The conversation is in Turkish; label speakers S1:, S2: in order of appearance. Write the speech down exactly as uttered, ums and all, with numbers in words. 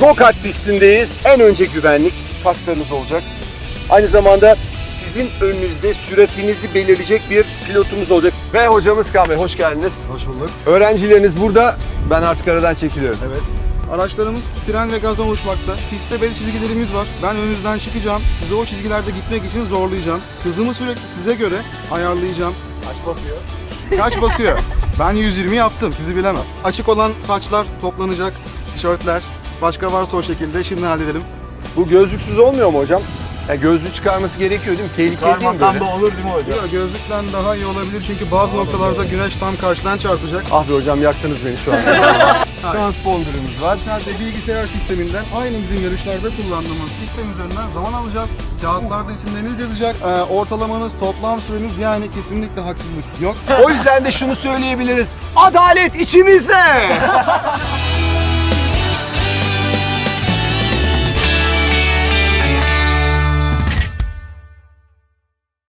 S1: Go-kart pistindeyiz. En önce güvenlik paslarınız olacak. Aynı zamanda sizin önünüzde süratinizi belirleyecek bir pilotumuz olacak. Ve hocamız Kaan Bey, hoş geldiniz.
S2: Hoş bulduk.
S1: Öğrencileriniz burada. Ben artık aradan çekiliyorum.
S2: Evet. Araçlarımız fren ve gazdan oluşmakta. Pistte belli çizgilerimiz var. Ben önünüzden çıkacağım. Sizi o çizgilerde gitmek için zorlayacağım. Hızımı sürekli size göre ayarlayacağım.
S1: Kaç basıyor?
S2: Kaç basıyor? Ben yüz yirmi yaptım, sizi bilemem. Açık olan saçlar toplanacak, tişörtler. Başka varsa o şekilde şimdi halledelim.
S1: Bu gözlüksüz olmuyor mu hocam? Ya gözlüğü çıkarması gerekiyor değil mi? Tehlikeli değil mi
S3: Çıkarmasam
S1: böyle?
S3: da olur değil mi hocam?
S2: Yok, gözlükten daha iyi olabilir çünkü bazı noktalarda güneş tam karşıdan çarpacak.
S1: Ah be hocam, yaktınız beni şu an. Transponder'ımız var.
S2: İçeride bilgisayar sisteminden aynı bizim yarışlarda kullandığımız sistem üzerinden zaman alacağız. Kağıtlarda isimleriniz yazacak. Ee, ortalamanız, toplam süreniz, yani kesinlikle haksızlık yok.
S1: O yüzden de şunu söyleyebiliriz. Adalet içimizde.